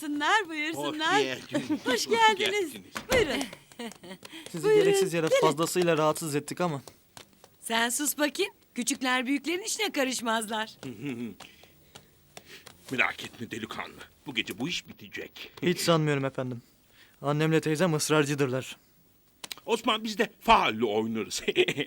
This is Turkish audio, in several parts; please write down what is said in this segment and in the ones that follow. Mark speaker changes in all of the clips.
Speaker 1: Buyursunlar, buyursunlar.
Speaker 2: geldiniz.
Speaker 1: Hoş geldiniz. Buyurun.
Speaker 3: Sizi
Speaker 1: Buyurun,
Speaker 3: gereksiz yere
Speaker 1: gelin.
Speaker 3: fazlasıyla rahatsız ettik ama.
Speaker 4: Sen sus bakayım. Küçükler büyüklerin işine karışmazlar.
Speaker 2: Merak etme delikanlı. Bu gece bu iş bitecek.
Speaker 3: Hiç sanmıyorum efendim. Annemle teyzem ısrarcıdırlar.
Speaker 2: Osman biz de faalle oynarız.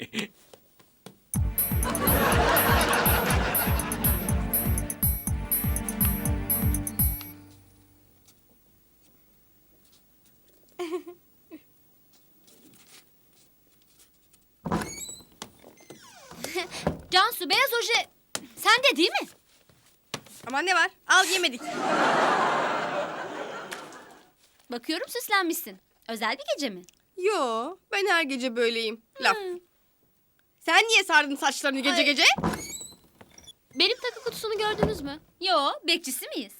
Speaker 5: Cansu beyaz oje sende değil mi?
Speaker 6: Aman ne var? Al yemedik.
Speaker 5: Bakıyorum süslenmişsin. Özel bir gece mi?
Speaker 6: Yo, ben her gece böyleyim. Laf. Sen niye sardın saçlarını gece
Speaker 5: Ay.
Speaker 6: gece?
Speaker 5: Benim takı kutusunu gördünüz mü? Yo, bekçisi miyiz?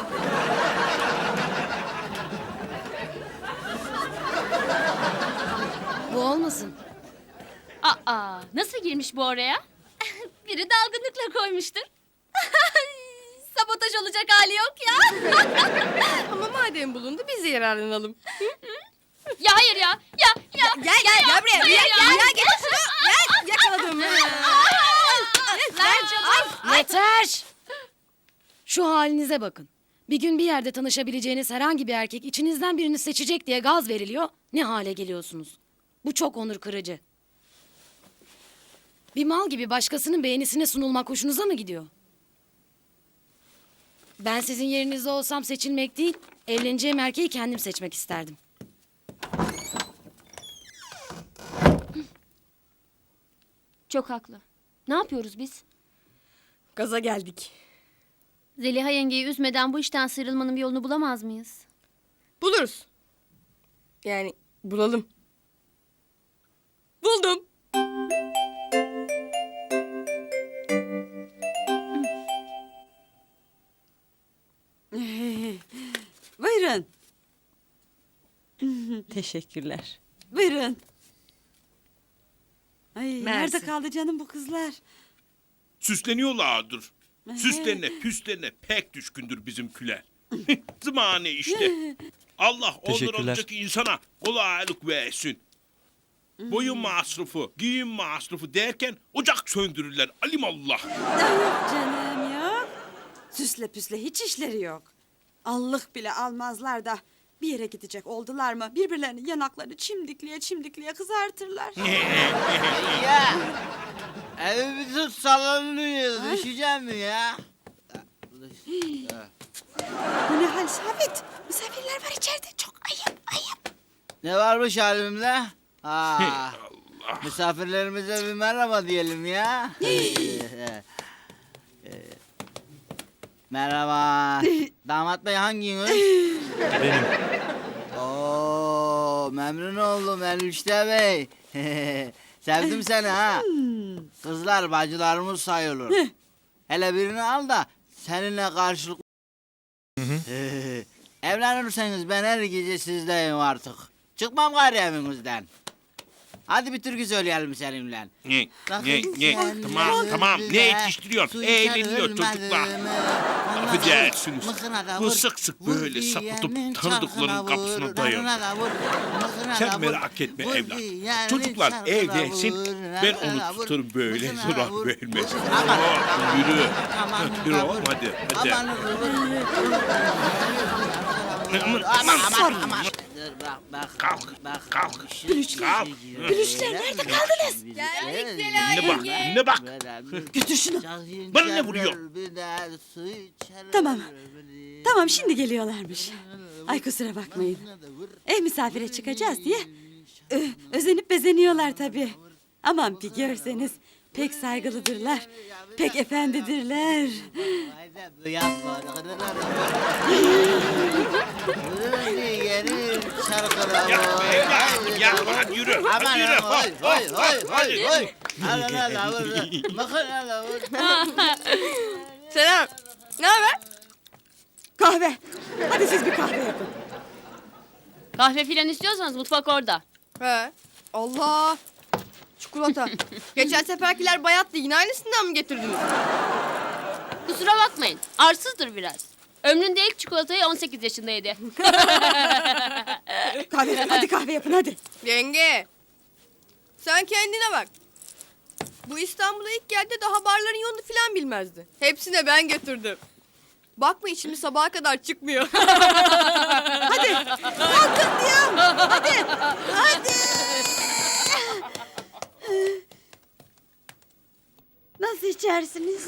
Speaker 7: Bu olmasın.
Speaker 5: Aa, nasıl girmiş bu oraya? Biri dalgınlıkla koymuştur. Sabotaj olacak hali yok ya.
Speaker 6: Ama madem bulundu biz de yararlanalım.
Speaker 5: Ya hayır ya. Ya.
Speaker 6: Gel buraya.
Speaker 5: Hayır ya.
Speaker 6: Gel getir şunu. Gel yakaladım.
Speaker 5: Ver canım.
Speaker 7: Yeter! Şu halinize bakın. Bir gün bir yerde tanışabileceğiniz herhangi bir erkek içinizden birini seçecek diye gaz veriliyor. Ne hale geliyorsunuz? Bu çok onur kırıcı. Bir mal gibi başkasının beğenisine sunulmak hoşunuza mı gidiyor? Ben sizin yerinizde olsam seçilmek değil, evleneceğim erkeği kendim seçmek isterdim.
Speaker 5: Çok haklı. Ne yapıyoruz biz?
Speaker 6: Gaza geldik.
Speaker 5: Zeliha yengeyi üzmeden bu işten sıyrılmanın bir yolunu bulamaz mıyız?
Speaker 6: Buluruz. Yani bulalım. Buldum.
Speaker 1: Buyurun. Teşekkürler. Buyurun. Ay, nerede kaldı canım bu kızlar?
Speaker 2: Süsleniyorlardır. Süslerine püslerine pek düşkündür bizimkiler. Zımane işte. Allah onları
Speaker 3: Teşekkürler.
Speaker 2: alacak insana kolaylık versin. Boyun masrafı, giyim masrafı derken ocak söndürürler alimallah.
Speaker 1: Yok canım yok. Süsle püsle hiç işleri yok. Allık bile almazlar da bir yere gidecek oldular mı birbirlerinin yanaklarını çimdikliye kızartırlar.
Speaker 8: Ya. Evimizi sallanıyor. Düşeceğim mi ya?
Speaker 1: Bu ne hal Sabit? Misafirler var içeride çok ayıp.
Speaker 8: Ne varmış halimde? Ha.
Speaker 2: Allah.
Speaker 8: Misafirlerimize bir merhaba diyelim ya. Merhaba. Damat bey hanginiz?
Speaker 3: Benim.
Speaker 8: Oo, memnun oldum Enişte Bey. Sevdim seni ha. Kızlar bacılarımız sayılır. Hele birini al da seninle karşılık... Evlenirseniz ben her gece sizdeyim artık. Çıkmam gari evinizden. Hadi bir türkü söyleyelim seninle.
Speaker 2: Ne?
Speaker 8: Bakın
Speaker 2: Ne?
Speaker 8: sen
Speaker 2: Tamam. Ne
Speaker 8: bize
Speaker 2: yetiştiriyor?
Speaker 8: su
Speaker 2: Eğleniyor
Speaker 8: içer
Speaker 2: çocuklar.
Speaker 8: ölmedin mi?
Speaker 2: Affedersiniz.
Speaker 8: Mıkına da
Speaker 2: Bu
Speaker 8: vur,
Speaker 2: sık sık
Speaker 8: vur
Speaker 2: böyle
Speaker 8: diyenin
Speaker 2: sapıtıp
Speaker 8: çarkına
Speaker 2: tanıdıkların kapısına
Speaker 8: vur,
Speaker 2: dayanıyor.
Speaker 8: narına da vur, mıkına
Speaker 2: Sen
Speaker 8: da vur,
Speaker 2: merak etme
Speaker 8: vur
Speaker 2: evlat.
Speaker 8: diyenin
Speaker 2: Çocuklar
Speaker 8: çarkına
Speaker 2: evlensin,
Speaker 8: vur,
Speaker 2: ben
Speaker 8: narına
Speaker 2: onu
Speaker 8: vur,
Speaker 2: tutarım böyle
Speaker 8: mıkına
Speaker 2: zarar
Speaker 8: vur.
Speaker 2: vermez.
Speaker 8: Aman,
Speaker 2: Oh, yürü.
Speaker 8: aman,
Speaker 2: Yürü
Speaker 8: aman,
Speaker 2: oğlum hadi.
Speaker 8: aman, aman. Dur bak.
Speaker 2: Kalk,
Speaker 8: Bak.
Speaker 2: kalk,
Speaker 8: Şu-
Speaker 2: kalk.
Speaker 8: Gülüşler nerede kaldınız?
Speaker 2: Ne bak.
Speaker 1: Götür şunu.
Speaker 2: Bana ne vuruyor?
Speaker 1: Tamam şimdi geliyorlarmış. Ay kusura bakmayın. Ev misafire çıkacağız diye özenip bezeniyorlar tabii. Aman bir görseniz pek saygılıdırlar. Pek efendidirler.
Speaker 2: Yapma evlat. Yapma hadi yürü. Hadi yürü. Hadi.
Speaker 6: Selam. Ne haber?
Speaker 1: Kahve. Hadi siz bir kahve yapın.
Speaker 5: Kahve filan istiyorsanız mutfak orada.
Speaker 6: He. Allah. Çikolata. Geçen seferkiler bayattı. Yine aynısından mı getirdiniz?
Speaker 5: Kusura bakmayın. Arsızdır biraz. Ömründe ilk çikolatayı 18 yaşında yedi.
Speaker 1: Kahve, hadi kahve yapın hadi.
Speaker 6: Yenge. Sen kendine bak. Bu İstanbul'a ilk geldi daha barların yolunu filan bilmezdi. Hepsine ben götürdüm. Bakma içimi sabaha kadar çıkmıyor.
Speaker 1: Hadi. Kalkın diyorum. Hadi. Hadi. Nasıl içersiniz?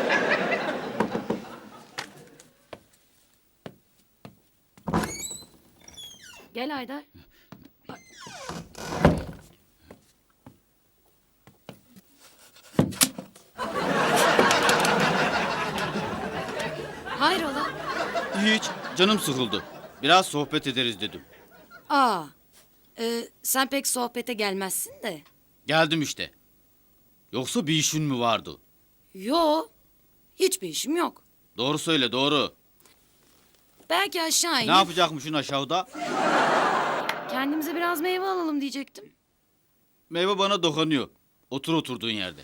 Speaker 7: Gel Haydar. Hayrola?
Speaker 9: Hiç. Canım sıkıldı. Biraz sohbet ederiz dedim.
Speaker 7: Aa, sen pek sohbete gelmezsin de.
Speaker 9: Geldim işte. Yoksa bir işin mi vardı?
Speaker 7: Yo, hiçbir işim yok.
Speaker 9: Doğru söyle, doğru.
Speaker 7: Belki aşağı
Speaker 9: Ne
Speaker 7: inip
Speaker 9: yapacakmışsın aşağıda?
Speaker 7: kendimize biraz meyve alalım diyecektim.
Speaker 9: Meyve bana dokunuyor. Otur oturduğun yerde.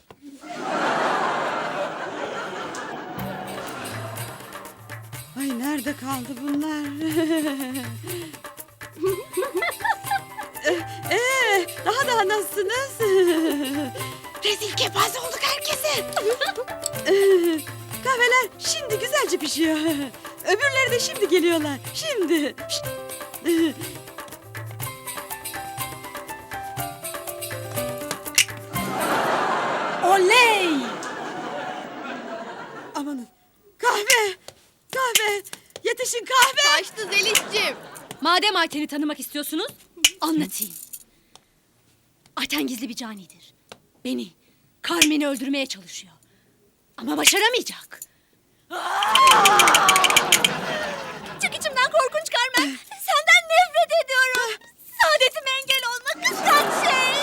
Speaker 1: Ay nerede kaldı bunlar? Daha nasılsınız? Rezil kepaze olduk herkese. Kahveler şimdi güzelce pişiyor. Öbürleri de şimdi geliyorlar. Şimdi. Şşt. Oley! Amanın. Kahve! Kahve! Yetişin kahve!
Speaker 6: Kaçtı Zeliş'cim.
Speaker 5: Madem Ayten'i tanımak istiyorsunuz, anlatayım. Ayten gizli bir canidir. Beni, Carmen'i öldürmeye çalışıyor. Ama başaramayacak. Çık içimden korkunç Carmen. Senden nefret ediyorum. Saadetime engel olma kıskan şey.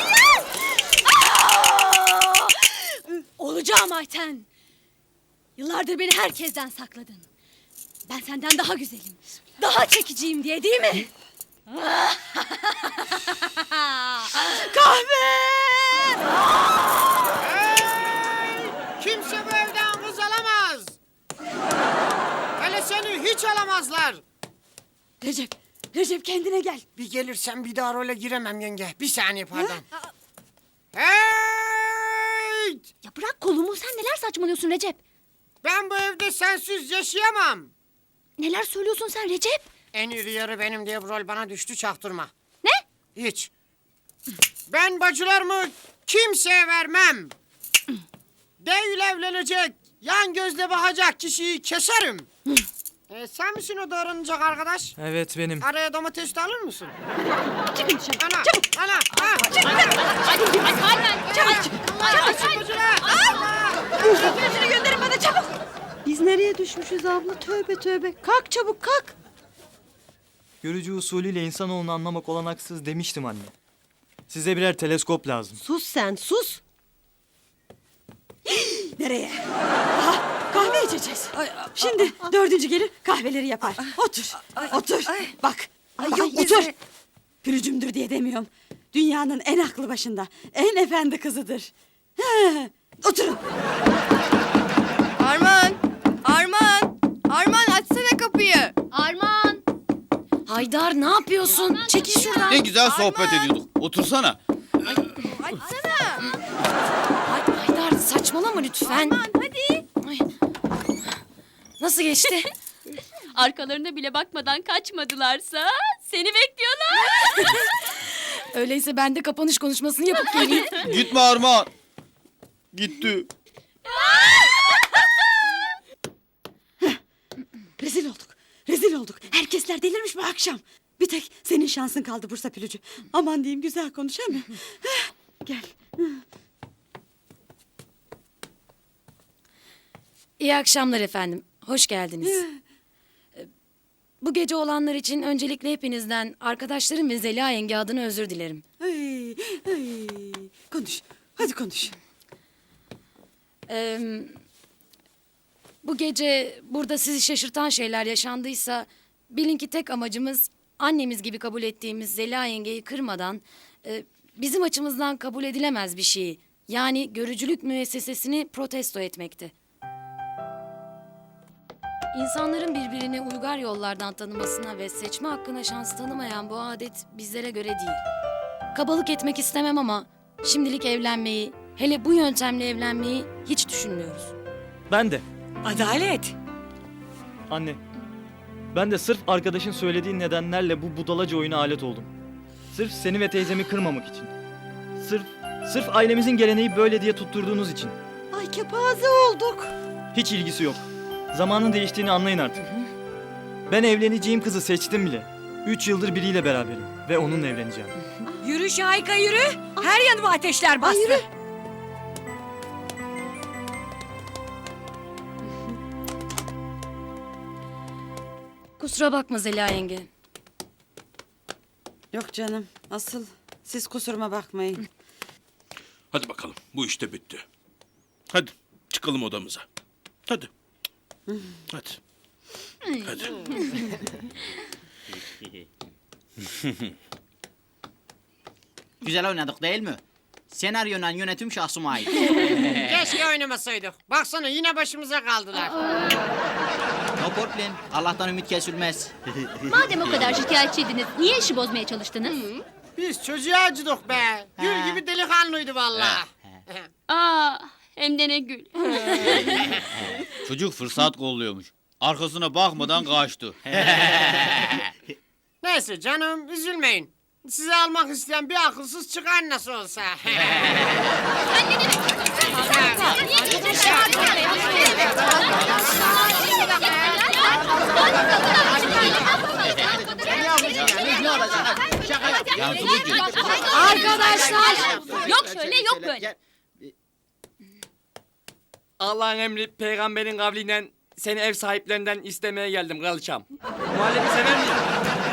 Speaker 5: Olacağım Ayten. Yıllardır beni herkesten sakladın. Ben senden daha güzelim, daha çekiciyim diye değil mi?
Speaker 1: Kahve!
Speaker 10: Kimse bu evden kız alamaz. Hele seni hiç alamazlar.
Speaker 1: Recep kendine gel.
Speaker 10: Bir gelirsen bir daha role giremem yenge. Bir saniye pardon. Hey!
Speaker 5: Ya bırak kolumu, sen neler saçmalıyorsun Recep?
Speaker 10: Ben bu evde sensiz yaşayamam.
Speaker 5: Neler söylüyorsun sen Recep?
Speaker 10: En iri yarı benim diye bu rol bana düştü çaktırma.
Speaker 5: Ne?
Speaker 10: Hiç. Ben bacılarımı kimseye vermem. Değil evlenecek, yan gözle bakacak kişiyi keserim. Sen misin o doğranacak arkadaş?
Speaker 3: Evet benim.
Speaker 10: Araya domates de alır mısın?
Speaker 5: Çıkın dışarı.
Speaker 10: Ana,
Speaker 5: Çabuk.
Speaker 10: ana, ha!
Speaker 5: Ay Carmen, çabuk.
Speaker 1: Gözünü gönderin bana çabuk. Biz nereye düşmüşüz abla? Tövbe tövbe. Kalk çabuk kalk.
Speaker 3: Görücü usulüyle insanoğlunu anlamak olanaksız demiştim anne. Size birer teleskop lazım.
Speaker 1: Sus sen sus. Nereye? Aha, kahve içeceğiz. Şimdi dördüncü gelir kahveleri yapar. Otur. Otur. Bak. Otur. Pürücümdür diye demiyorum. Dünyanın en aklı başında, en efendi kızıdır. He, oturun.
Speaker 6: Arman. Arman. Arman açsana kapıyı.
Speaker 5: Arman.
Speaker 7: Haydar ne yapıyorsun? Çekil şuradan.
Speaker 9: Ne güzel sohbet ediyorduk. Otursana.
Speaker 6: Açsana.
Speaker 7: Haydar saçmalama lütfen.
Speaker 6: Arman hadi.
Speaker 7: Ay. Nasıl geçti?
Speaker 5: Arkalarına bile bakmadan kaçmadılarsa seni bekliyorlar.
Speaker 7: Öyleyse ben de kapanış konuşmasını yapıp geleyim.
Speaker 9: Gitme Armağan. Gitti.
Speaker 1: Rezil olduk. Rezil olduk. Herkesler delirmiş bu akşam. Bir tek senin şansın kaldı Bursa Pülücü. Aman diyeyim güzel konuş he mi? Gel.
Speaker 7: İyi akşamlar efendim. Hoş geldiniz. Bu gece olanlar için öncelikle hepinizden, arkadaşlarım ve Zeliha yenge adına özür dilerim.
Speaker 1: Ay, ay. Konuş. Hadi konuş.
Speaker 7: Bu gece burada sizi şaşırtan şeyler yaşandıysa bilin ki tek amacımız annemiz gibi kabul ettiğimiz Zeliha yengeyi kırmadan bizim açımızdan kabul edilemez bir şeyi, yani görücülük müessesesini protesto etmekti. İnsanların birbirini uygar yollardan tanımasına ve seçme hakkına şans tanımayan bu adet bizlere göre değil. Kabalık etmek istemem ama şimdilik evlenmeyi, hele bu yöntemle evlenmeyi hiç düşünmüyoruz.
Speaker 3: Ben de.
Speaker 4: Adalet.
Speaker 3: Anne. Ben de sırf arkadaşın söylediği nedenlerle bu budalaca oyuna alet oldum. Sırf seni ve teyzemi kırmamak için. Sırf ailemizin geleneği böyle diye tutturduğunuz için.
Speaker 1: Ay kepaze olduk.
Speaker 3: Hiç ilgisi yok. Zamanın değiştiğini anlayın artık. Ben evleneceğim kızı seçtim bile. 3 yıldır biriyle beraberim ve onunla evleneceğim.
Speaker 4: Yürü Şahika yürü. Her yanıma ateşler bastı.
Speaker 7: Kusura bakma Zeliha yenge.
Speaker 1: Yok canım. Asıl siz kusuruma bakmayın.
Speaker 2: Hadi bakalım bu işte bitti. Hadi çıkalım odamıza. Hadi. Hadi. Hadi.
Speaker 8: Güzel oynadık değil mi? Senaryonun yönetim şahsıma ait.
Speaker 10: Keşke oynamasaydık. Baksana yine başımıza kaldılar.
Speaker 8: No problem. Allah'tan ümit kesilmez.
Speaker 5: Madem o kadar şikayetçiydiniz, niye işi bozmaya çalıştınız?
Speaker 10: Biz çocuğa acıdık be. Gül gibi delikanlıydı vallahi.
Speaker 5: Aa, hem de ne gül.
Speaker 9: Çocuk fırsat kolluyormuş. Arkasına bakmadan kaçtı.
Speaker 10: Neyse canım üzülmeyin. Sizi almak isteyen bir akılsız çıkar nasıl olsa.
Speaker 8: Ne olacak? Şaka yap.
Speaker 9: Yazılıcı.
Speaker 5: Arkadaşlar! Yok şöyle yok böyle.
Speaker 11: Allah'ın emri peygamberin kavliyle seni ev sahiplerinden istemeye geldim kraliçam. Muhallebi sever misin?